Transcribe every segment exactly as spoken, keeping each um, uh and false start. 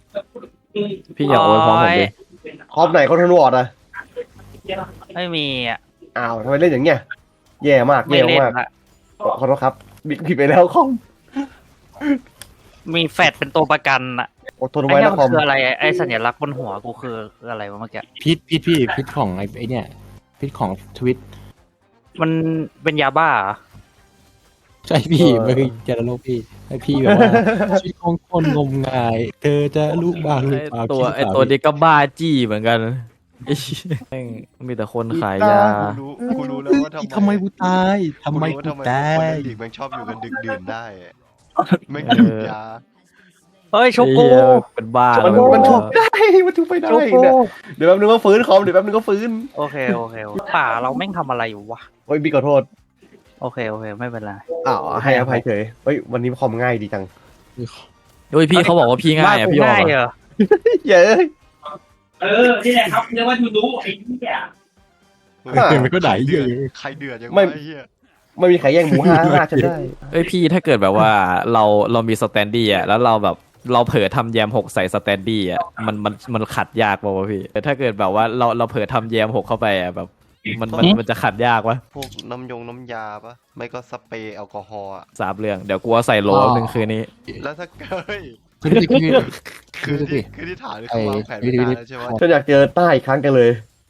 พี่อย่าโอยพร้อมผมดิคอมไหนคอนโทรลอ่ะไม่มีอ่ะอ้าวทำไมเล่นอย่างเงี้ยแย่มากไม่เล่นแย่มากละขอโทษครับบิ๊กผิดไปแล้วคอมมีแฟดเป็นตัวประกันอ่ะอดทนไอ้ไว้เนี่นะยคอมคืออะไรไอ้สัญลักษณ์บนหัวกูคือคืออะไรวะเมื่อกี้พิษพิษพี่พิษของไอ้ไอ้เนี่ยพิษของทวิตมันเป็นยาบ้าเหรอใช่พี่มันคือเจรโลกพี่ให้พี่แบบว่าชีวิตของคนงมงาย เธอจะรู้บ้างหรือเปล่าตัวคิดไอเปล่าตัวนี้ก็บ้าจี้เหมือนกันไอ้เหี้ยแม่งมีแต่คนขายยากูรู้กูรู้แล้วว่าทำไมทำไมกูตายทำไมกูกูรู้ว่าทำไมตาคนยในลีกแม่งชอบอยู่กันดึกดื่นได้อะแม่งดื่มยาเฮ้ยโชไอ้โกเหี้ยเป็นบ้ามันแล้วมันทุบได้มันทุบไปได้โชโกเนี่ยเดี๋ยวแป๊บนึงก็ฟื้นคอมเดี๋ยวแป๊บนึงก็ฟื้นโอเคโอเคโอเคป่าเราแม่งทำอะไรอยู่วะโอ้ยบิ๊กขอโทษโอเคโอเคไม่เป็นไรอ้าวให้อภัยเฉยเฮ้ยวันนี้คอมง่ายดีจังโอ้ยพี่เขาบอกว่าพี่ง่ายอ่ะบ้นกูพี่ออกง่ายอะเหรอเย้ยเออนี่แหละครับเรียกว่าทูดูไอ้เหี้ยมันก็ไหนเยอะใครเดือดยังไม่ไงเฮียไม่มีใครแย่งหมูห้าห้าฉันได้เอ้ยพี่ถ้าเกิดแบบว่าเราเรามีสแตนดี้อ่ะแล้วเราแบบเราเผลอทำแยมหกใส่สแตนดี้อ่ะมันมันมันขัดยากป่าวะพี่แต่ถ้าเกิดแบบว่าเราเราเผลอทำแยมหกเข้าไปอ่ะแบบมันมันมันจะขัดยากวะพวกน้ำยงน้ำยาปะไม่ก็สเปรย์แอลกอฮอล์อะสามเรื่องเดี๋ยวกูเอาใส่โหลหนึ่งคืนนี้แล้วถ้าเฮ้ยคือคือคืคือ อที่สิคือที่ถามนี่คือวางแผนไว้นานแล้วใช่ไหมฉันอยากเจอต้าอีกครั้งกันเลย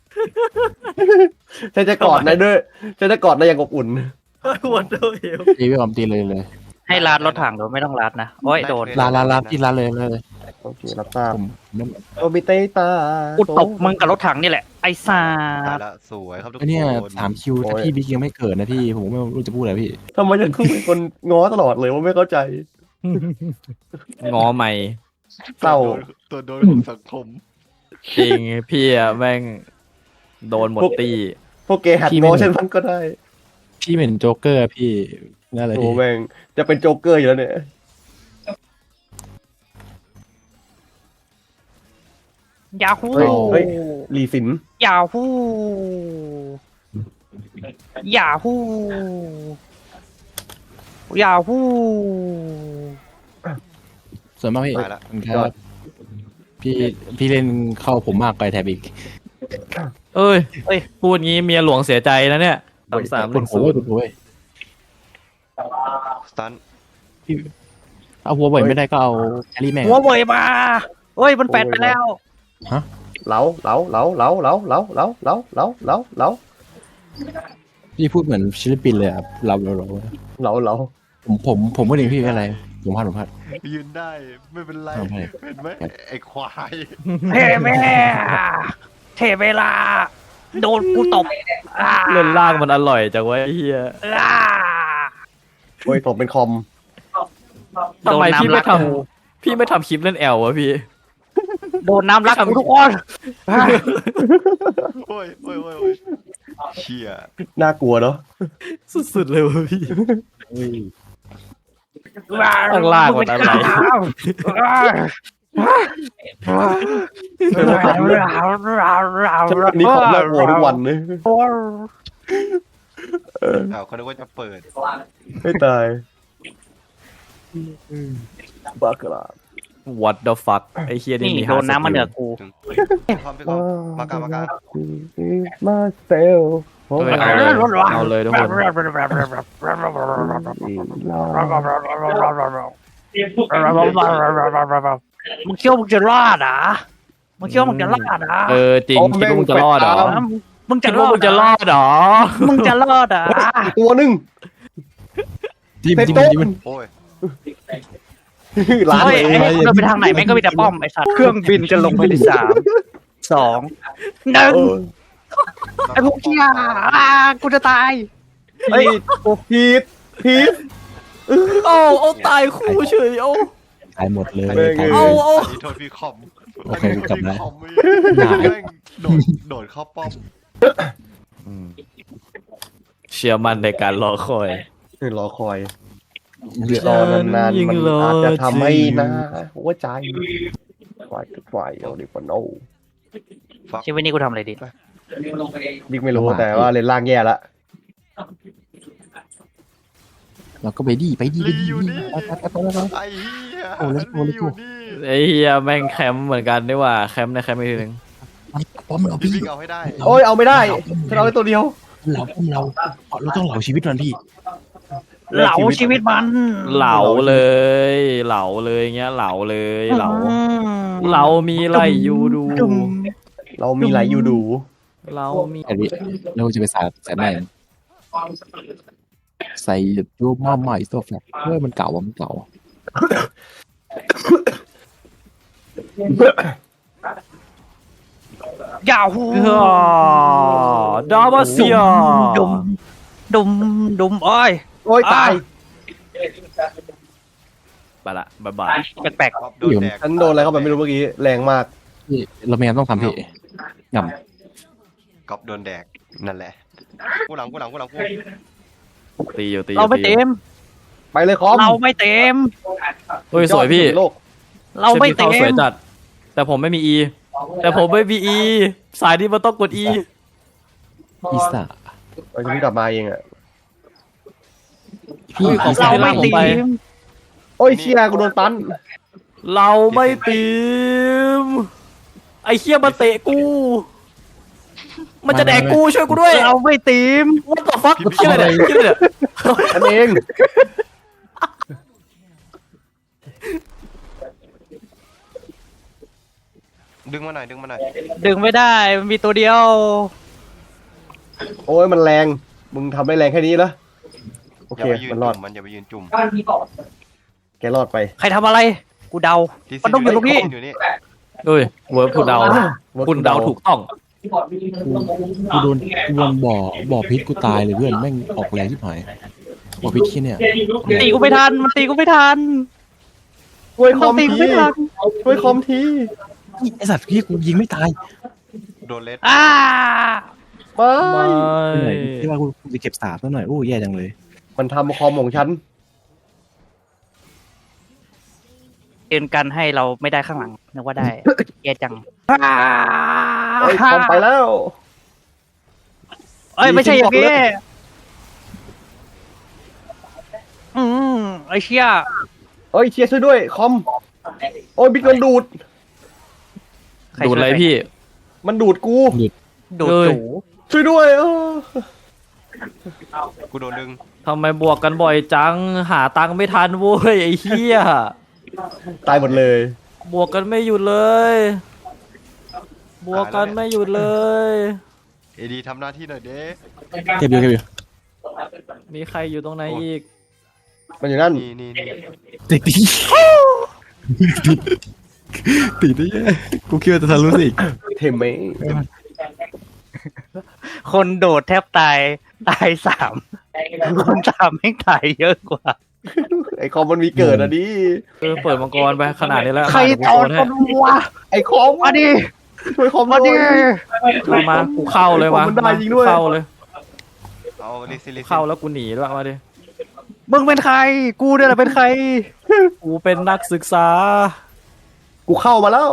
ฉันจะกอดนายด้วยฉันจะกอดนายอย่างอบอุ่นวันเดอร์เฮลตีไปก่อนตีเลยเลยให้ลาดรถถังโดยไม่ต้องลาดนะโอ้ยโดนลาลาลาพี่ลาเลยเลยโอเครับทราบผมไม่โอมิเตตากูตบมึงกับรถถังนี่แหละไอ้ซาตายดละสวยครับทุกคไอ้เนี่ยนสามคิวถ้าพี่บิ๊กยังไม่เกิดนะพี่ผมไม่รู้จะพูดอะไรพี่ทำไมฉันต้องเป็นคนง้อตลอดเลยว่าไม่เข้าใจงอใหม่เศร้าตัวโดนของสังคมจริงพี่อะแม่งโดนหมดตีพวกเกย์หัดง้อฉันบ้างก็ได้พี่เป็นโจ๊กเกอร์พี่นั่นแหละโอ้พี่แม่งจะเป็นโจ๊กเกอร์อยู่แล้วเนี่ยยาฮูเฮ้ยเฮ้ยลีสินยาฮูยาฮูยาฮูส่วนมากพี่ตายละมันก็พี่พี่เล่นเข้าผมมากไปแถบอีกเอ้ยเอ้ยพูดงี้เมียหลวงเสียใจนะเนี่ยสามสามหคนึ่นงโหศูนดย์โว้ยสตันเอาหัวบ่อยไม่ได้ก็เอาแครี่แม่งหัวเว่ยมาเฮ้ยมันแฟดไปแล้วเหลาเหลาเหลาเหลาเหลาเหลาเหลาเหลาเหลาเหลาเหลาพี่พูดเหมือนศิลปินเลยครับเราเราเราเหลาเหลาผมผมผมไม่ได้พี่อะไรผมพลาดผมพลาดยืนได้ไม่เป็นไรทำไมเห็นไหมไอ้ควายเทแม่เทเวลา โดนกูตบอ่าเล่นล่างมันอร่อยจังวะไอ้เฮียอ่าโอ้ยผมเป็นคอมทำไมพี่โดนน้ำไม่รักทำพี่ไม่ทำคลิปเล่นแอลวะพี่โดนน้ำรักกูทุกคนโอ้ยโอ้ยโอ้ยโอ้ยเชี่ยน่ากลัวเนาะสุดๆเลยวะพี่ข้าข้างล่างมันอะไรฉันนี่คอมน่ากลัวทุกวันเลยอ้าวเขาคิดว่าจะเปิดไม่ตายบ้ากระ What the fuck ไอ้เฮียนี่นี่มีโดนน้ำมันเหนือกูพร้อมพี่กอมากามากามาเซลเฮ้ยเอาเลยเอาเลยทุกคนมึงเชื่อมึงจะรอดอ่ะมึงเชื่อมึงจะรอดอ่ะเออจริงคิดว่ามึงจะรอดเหรอมึงจะคิดรว่าอมึดงจะรอดเหรอมึงจะรอดอ่ะตัวหนึ่งจิ้มเซ็ตจิ้มโต๊ะจิ้มโอ้ยล้านเฮ้ยเลยไอ้เดินไปทางไหนแม่งก็มีแต่ป้อมไอ้สัตว์เครื่องบินจะลงไปที่สามสองหนึ่งไอ้พวกเชี่ยอ่ากูจะตายเฮ้ยพีทพีทโอ้เอาตายคู่เฉยเอาตายหมดเลยแม่งตายหมเอาดเอาอันนี้โทษพี่คอมโอเคกลับแล้วอันนี้โทษพี่คอมแม่งโดดโดดเข้าป้อมเชื่อมั่นในการรอคอยรอคอยเหลือรอนานยิ่ๆงมันรออาจจะทำให้จริงหน้าหัวใจฝ่ายทุกฝ่ายเอาดิปโนชีวิตนี้กูทำอะไรดีบิ๊กไม่รู้แต่ว่าเลนล่างแย่ละเราก็ไปดีไปดีไปลีดีอยู่นี่ไปไปไปไปไปไอ้เหี้ยโอ้let's go ลี let's อ go ยู่นี่ไอ้เฮียแม่งแคมป์เหมือนกันนี่หว่าแคมป์ในแคมป์อีกทีหนึงมันป้อมเราพี่พี่วิ่งเอาให้ได้โอ้ยเอาไม่ได้ฉันเอาได้ตัวเดียวเราป้อมเราเราต้องเหล่าชีวิตมันพี่เหลาชีวิตมันเหลาเลย เหลาเลยเงี้ยเหลาเลยเหลาอืมเรามีไรอยู่ดูดุมเรามีหลายยูดูเรามีไอ้พี่เราจะไปใส่ใส่ไหนใส่รูปมาใหม่ตัวแฟลชเฮ้ยมันเก่าว่ะมันเก่ายาหูเฮ้อดาบาเซียดุมดุมดุมโอ้ยโอ้ยตายไปละบ๊ายบายแปลกก๊อฟโดนแดกฉันโดนอะไรเข้าไปไม่รู้เมื่อกี้แรงมากพี่เราไม่งั้นต้องทำพี่งก๊อฟโดนแดกนั่นแหละกูหลังกูหลังกูหลังกูตีอยู่ตีๆอยู่เราไม่ตีเต็มไปเลยคอมเราไม่เต็มเฮ้ยสวยพี่โลกเราไม่เต็ซฟตี้เข้าสวยมจัด แต่ผมไม่มี E แต่ผมไม่มี E สายนี้มันต้องกด E ำอีสาเราจะเพิ่งกลับมาเองอ่ะพี่ขอบอีคุณสาเราไม่ผมเต็ไปมโอ้ยเชียกูโดนตันเราไม่ตีมไอ้เคียมาเตะกู มันจะแดกกูช่วยกูด้วยเราไม่เต็ม What the fuck เคียอะไรเนี่ยเคียอะไรเนี่ยฉันเองดึงมาหน่อยดึงมาหน่อยดึงไม่ได้มันมีตัวเดียวโอ้ยมันแรงมึงทำได้แรงแค่นี้เหรอโออย่าเคไปยืนมันรอดจุ่มมันอย่าไปยืนจุ่มแกรอดไปใครทำอะไร กูเดาที่มันต้องอยู่ตรงนี้อยู่นี่เฮ้ยเวิร์กคุณเดาคุณเดาถูกต้องกูโดนกูโดนบ่อบ่อพิษกูตายเลยเพื่อนแม่งออกแรงที่หายบ่อพิษที่เนี่ยตีกูไม่ทัน มันตีกูไม่ทันช่วยคต้อองมตีทีกูไม่ทันช่วยคอมทีไอสัตว์พี่กูยิงไม่ตายโดนเลสอ่าไม่ไม่เหนื่อยที่ว่ากูจะเก็บสาบซะหน่อยโอ้แย่จังเลยมันทำคอมของฉันเตือนกันให้เราไม่ได้ข้างหลังนึกว่าได้ แย่จังโอ้ยคอมไปแล้วเอ้ยไม่ใช่อย่างนี้อืมไอ้เชี่ยเอ้ยเชียร์ช่วยด้วยคอมโอ้ยบิ๊กโดนดูดใครดูดอะไรพี่มันดูดกูดูดเอ้ยจูช่วยด้วยเออกูโดนดึงทำไมบวกกันบ่อยจัง หาตังค์ไม่ทันเว้ยไอ้เหี้ยตายหมดเลยบวกกันไม่หยุดเลย บวกกันไม่หยุดเลยเอดีทำหน้าที่หน่อยเด้เก็บอยู่เก็บอยู่มีใครอยู่ตรงไหนอีกมันอยู่นั่นนี่นี่นี่ติดติดติดได้แย่กูคิดว่าจะทะลุสิเทมไหมคนโดดแทบตาย ตายสามคนสามแม่งตายเยอะกว่าไอคอมมันมีเกิดอ่ะดิเออเปิดมังกรไปขนาดนี้แล้วใครเดี๋ยวตกูอนโดนคให้นวะไอคอมมาดิช่วยคอมมาด้ดิวยเอามากูเข้าเลยมามันได้จริงด้วยเข้าเลยเอาลิซิลิเข้าแล้วกูหนีด้วยมาดิมึงเป็นใคร กูเนี่ยแหละเป็นใครกูเป็นนักศึกษากูเข้ามาแล้ว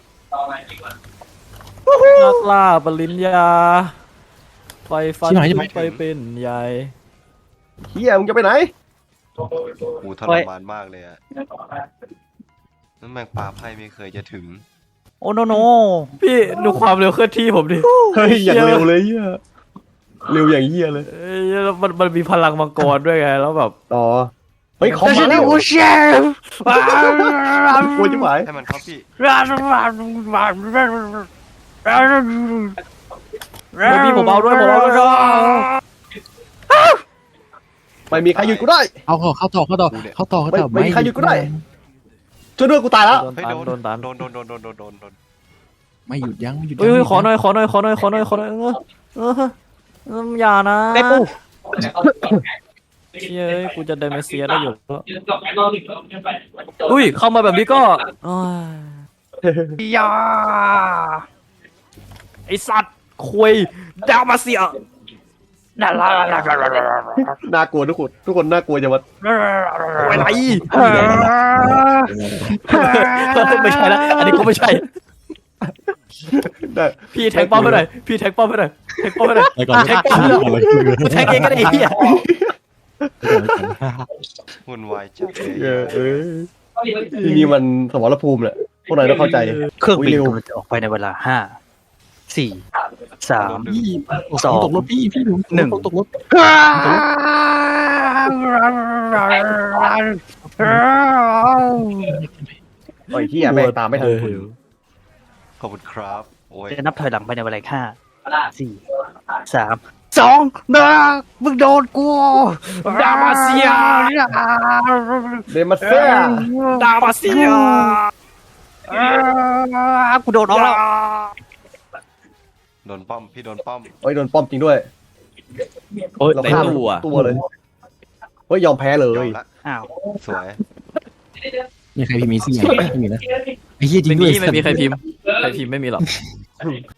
นักล่าปริญญา ไฟฟันไปเป็นใหญ่เฮียมึงจะไปไหนกูทรมานมากเลยอะนั่นแม่งปลาไพ่ไม่เคยจะถึงโอ้โนโนพี่ดูความเร็วเคลื่อนที่ผมดิเฮ้ยอย่างเร็วเลยเฮียเร็วอย่างเฮียเลยเอ้ยแล้วมันมันมีพลังมังกรด้วยไงแล้วแบบต่อเฮ้ยคอมแต่ฉัมาน แล้นี่วกูเชฟโอ้ยจิ๋วหายให้มันเข้าพี่ไม่พี่ผมเอาด้วยผมเอาด้วยไม่มีใครหยุดกูได้เอาเข้าเข้าต่อเข้าต่อเข้าต่อเข้าต่อไม่ไม่มีใครหยุดกูได้ ช่วยด้วยกูตายแล้วโดนเฮ้ยตันโดนโดนตันโดนโดนโดนโดนโดนโดนโดนไม่หยุดยั้งไม่หยุดยั้เฮ้ยงเฮ้ยขอหน่อยขอหน่อยขอหน่อยขอหน่อยขอหน่อยขอหน่อยเออเออเอออย่านะได้ปูเฮ้ยกูจะเดเมเซียได้อยู่แล้วอุ้ยเข้ามาแบบนี้ก็โอ้ยยาไอสัตว์คุยดาวมาเสียน่ารักน่ากลัวทุกคนทุกคนน่ากลัวจังวะไปไหนไม่ใช่แล้วอันนี้ก็ไม่ใช่ได้พี่แทงป้อมไปหน่อยพี่แทงป้อมไปหน่อยแทงป้อมไปหน่อยไปก่อนแทงป้อมไปหน่อยกูแทงเองก็ได้ไอ้เหี้ยวุ่นวายจัดเลยเออเออที่นี่มันสมรภูมิแหละพวกนายต้องเข้าใจเครื่องบินโอ้ยเร็วกำลังจะออกไปในเวลาห้าสี่สามพี่สองตกรถพี่พี่หนูหนึ่งตกรถโอ้ยที่แม่งตามไม่ทันขอบคุณครับโอ้ยจะนับถอยหลังไปในเวลาห้าสี่สามสองหนึ่งมึงโดนกูดามาเซียเดมาเซียดามาเซียกูโดนออกแล้วโดนป้อมพี่โดนป้อมโอ้ยโดนป้อมจริงด้วยโอ้ยเราในฆ่าตู้อะตัวเลยเฮ้ยยอมแพ้เลยยอมละอ้าวสวยมีใครพิมพ์มีเสียงไม่มีนะไอ้เหี้ยจริไม่งด้มีวยไม่มีใครพิมพ์ใครพิมพ์ไม่มีหรอก